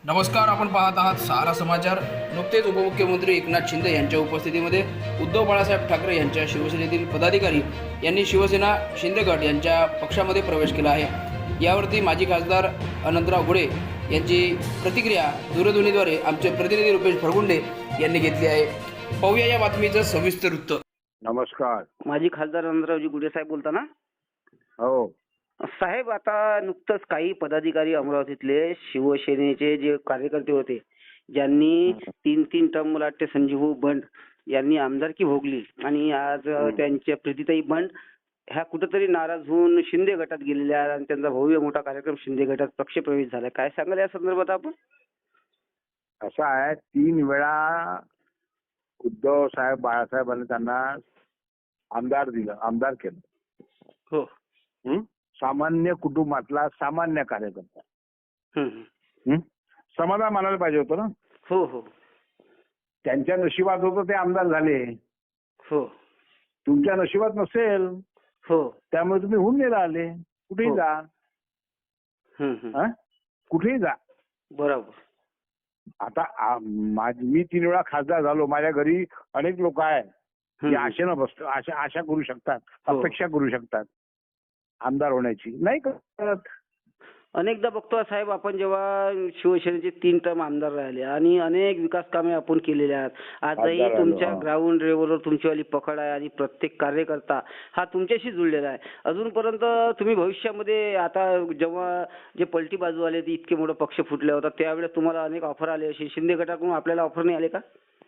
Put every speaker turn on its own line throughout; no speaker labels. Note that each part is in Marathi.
नमस्कार, आपण पाहत आहात सहारा समाचार. नुकतेच उपमुख्यमंत्री एकनाथ शिंदे यांच्या उपस्थितीमध्ये उद्धव बाळासाहेब ठाकरे यांच्या शिवसेनेतील पदाधिकारी यांनी शिवसेना शिंदे गट यांच्या पक्षामध्ये प्रवेश केला आहे. यावरती माजी खासदार अनंतराव गुळे यांची प्रतिक्रिया दूरध्वनीद्वारे आमचे प्रतिनिधी रुपेश फरगुंडे यांनी घेतली आहे. पाहूया या बातमीचं सविस्तर वृत्त.
नमस्कार.
माजी खासदार अनंतरावजी गुडे साहेब बोलता ना?
हो.
साहेब, आता नुकतंच काही पदाधिकारी अमरावतीतले शिवसेनेचे जे कार्यकर्ते होते, ज्यांनी तीन टर्म मला वाटते संजीव बंड यांनी आमदारकी भोगली आणि आज त्यांच्या प्रीतीताई बंड ह्या कुठेतरी नाराज होऊन शिंदे गटात गेलेल्या आणि त्यांचा भव्य मोठा कार्यक्रम शिंदे गटात पक्षप्रवेश झाला. काय सांगाल या संदर्भात आपण?
असं आहे, 3 वेळा उद्धव साहेब बाळासाहेबांनी त्यांना आमदार दिलं, आमदार केलं.
हो.
सामान्य कुटुंबातला सामान्य कार्यकर्ता. समाधान मानायला पाहिजे होतं ना.
हो हो
त्यांच्या नशिबात होतं ते आमदार झाले.
हो
तुमच्या नशिबात नसेल,
हो
त्यामुळे तुम्ही होऊन गेला आले. कुठेही
हो.
जा, कुठेही जा.
बरोबर.
आता मी 3 वेळा खासदार झालो. माझ्या घरी अनेक लोक आहेत की आशेनं बसतो, आशा करू शकतात,
हो.
अपेक्षा करू शकतात आमदार होण्याची. नाही करत.
अनेकदा बघतो साहेब, आपण जेव्हा शिवसेनेचे 3 टर्म आमदार राहिले आणि अनेक विकास कामे आपण केलेले आहेत. आजही
खासदार
तुमच्या
झालो.
ग्राउंड लेवलवर तुमचीवाली पकड आहे आणि प्रत्येक कार्यकर्ता हा तुमच्याशी जुळलेला आहे. अजूनपर्यंत तुम्ही भविष्यामध्ये आता जेव्हा जे पलटी बाजू आले, ते इतके मोठा पक्ष फुटला होता, त्यावेळेस तुम्हाला अनेक ऑफर आले असे. शिंदे गटाकडून आपल्याला ऑफर नाही आले का?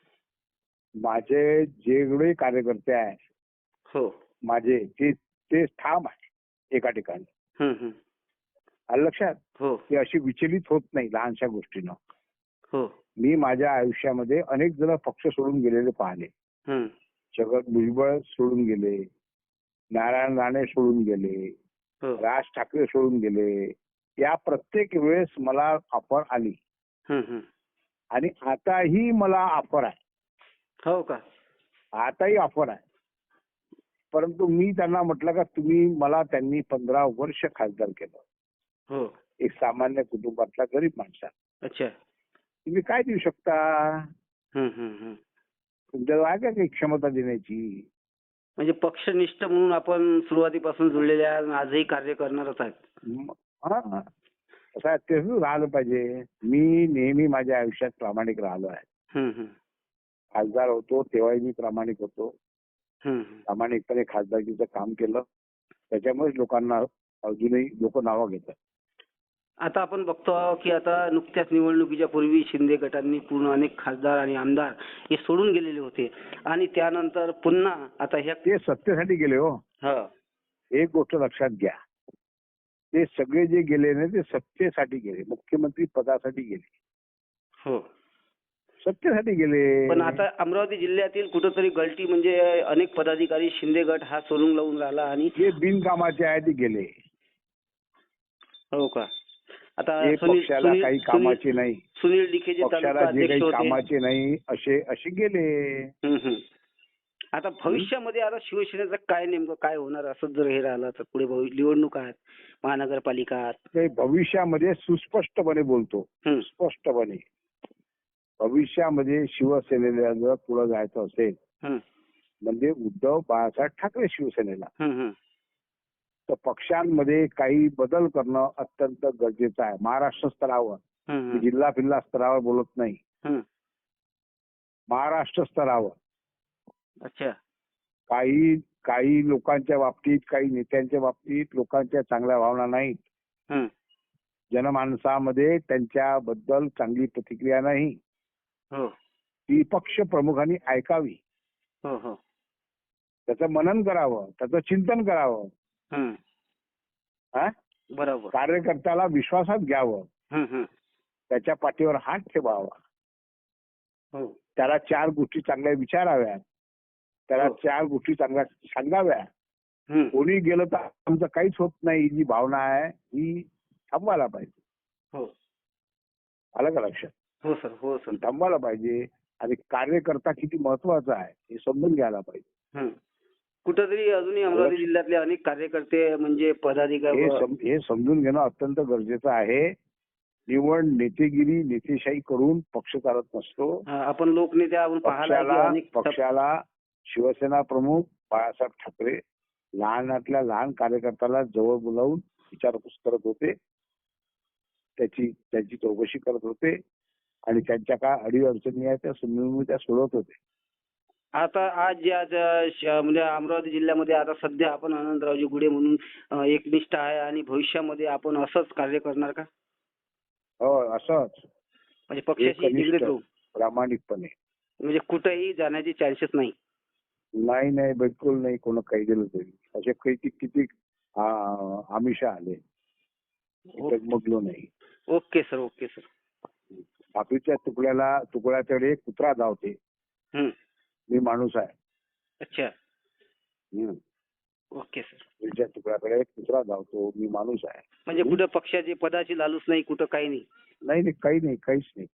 माझे जेवढे कार्यकर्ते आहेत,
हो.
माझे ते ठाम आहे एका ठिकाणी. आलं लक्षात?
हो
ते अशी विचलित होत नाही लहानशा गोष्टीनं.
हो
मी माझ्या आयुष्यामध्ये अनेक जण पक्ष सोडून गेलेले पाहिले. जगत भुजबळ सोडून गेले, नारायण राणे सोडून गेले,
हो
राज ठाकरे सोडून गेले. या प्रत्येक वेळेस मला ऑफर आली आणि आताही मला ऑफर आहे.
हो का?
आताही ऑफर आहे. परंतु मी त्यांना म्हटलं का त्यांनी 15 वर्ष खासदार केलं.
हो.
एक सामान्य कुटुंबातला गरीब माणसा,
अच्छा.
तुम्ही काय देऊ शकता? तुमच्याजवळ आहे का काही क्षमता देण्याची?
म्हणजे पक्षनिष्ठ म्हणून आपण सुरुवातीपासून जुळलेले आहे आणि आजही कार्य करणारच आहेत.
हा, असं आहे, तेच राहिलं पाहिजे. मी नेहमी माझ्या आयुष्यात प्रामाणिक राहिलो आहे. खासदार होतो तेव्हाही मी प्रामाणिक होतो. प्रामाणिकपणे खासदारकीचं काम केलं. त्याच्यामुळेच लोकांना अजूनही लोक नावं घेतात.
आता आपण बघतो की आता नुकत्याच निवडणुकीच्या पूर्वी शिंदे गटांनी पूर्ण अनेक खासदार आणि आमदार हे सोडून गेलेले होते आणि त्यानंतर पुन्हा आता ह्या
ते सत्तेसाठी गेले हो. एक गोष्ट लक्षात घ्या, ते सगळे जे गेले ना ते सत्तेसाठी गेले, मुख्यमंत्री पदासाठी गेले,
हो
सत्तेसाठी गेले.
पण आता अमरावती जिल्ह्यातील कुठेतरी गलटी म्हणजे अनेक पदाधिकारी शिंदे गट हा सोडून लावून राहिला आणि
जे बिनकामाचे आहे ते गेले.
हो का? आता
पक्षाला काही कामाचे नाही,
सुनील डिके जे
पक्षाला जे काही
होते,
कामाचे नाही असे गेले.
आता भविष्यामध्ये आता शिवसेनेचं काय नेमकं काय होणार असं जर हे राहिलं तर पुढे निवडणूक आहेत, महानगरपालिका आहेत.
ते भविष्यामध्ये सुस्पष्टपणे बोलतो, स्पष्टपणे भविष्यामध्ये शिवसेनेला जर पुढे जायचं असेल म्हणजे उद्धव बाळासाहेब ठाकरे शिवसेनेला, तर पक्षांमध्ये काही बदल करणं अत्यंत गरजेचं आहे. महाराष्ट्र स्तरावर, जिल्हा फिल्हा स्तरावर बोलत नाही, महाराष्ट्र स्तरावर.
अच्छा.
काही लोकांच्या बाबतीत, काही नेत्यांच्या बाबतीत लोकांच्या चांगल्या भावना नाहीत. जनमानसामध्ये त्यांच्याबद्दल चांगली प्रतिक्रिया नाही. ती पक्ष प्रमुखांनी ऐकावी, त्याचं मनन करावं, त्याचं चिंतन करावं.
बरोबर.
कार्यकर्त्याला विश्वासात घ्यावं, त्याच्या पाठीवर हात ठेवावा, त्याला 4 गोष्टी चांगल्या विचाराव्यात, त्याला 4 गोष्टी चांगल्या सांगाव्या. कोणी गेलं तर आमचं काहीच होत नाही, जी भावना आहे ही थांबवायला पाहिजे. आलं का लक्षात?
हो सर, हो सर.
थांबवायला पाहिजे आणि कार्यकर्ता किती महत्वाचा आहे हे समजून घ्यायला पाहिजे.
कुठेतरी अजूनही अमरावती जिल्ह्यातले अनेक कार्यकर्ते म्हणजे पदाधिकारी
हे समजून घेणं अत्यंत गरजेचं आहे. निवड नेतेगिरी नेतेशाही करून पक्ष चालत नसतो.
आपण लोकनेते आपण पाहिला आहे की अनेक
पक्षाला शिवसेना प्रमुख बाळासाहेब ठाकरे लहानातल्या लहान कार्यकर्त्याला जवळ बोलावून विचारपूस करत होते, त्याची चौकशी करत होते आणि त्यांच्या काय अडीअडचणी आहेत त्या समजून त्या सोडवत होते.
आता म्हणजे अमरावती जिल्ह्यामध्ये आता सध्या आपण आनंदरावजी गुढे म्हणून एकनिष्ठ आहे आणि भविष्यामध्ये आपण असंच कार्य करणार का?
हो, असंच
म्हणजे पक्षाशी
एकनिष्ठ,
निगडीत राहू,
प्रामाणिकपणे.
म्हणजे कुठेही जाण्याचे चान्सेस नाही.
नाही, बिलकुल नाही. कोण काही दिलं तरी असे किती आमिष आले, डगमगलो नाही.
Okay sir, okay sir.
भाकरीच्या तुकड्याकडे कुत्रा धावते, मी माणूस आहे.
अच्छा. Okay sir.
भाकरीच्या तुकड्याकडे कुत्रा धावतो, मी माणूस आहे.
म्हणजे कुठं पक्षाची पदाची लालूच नाही, कुठं काही नाही.
नाही, काहीच नाही.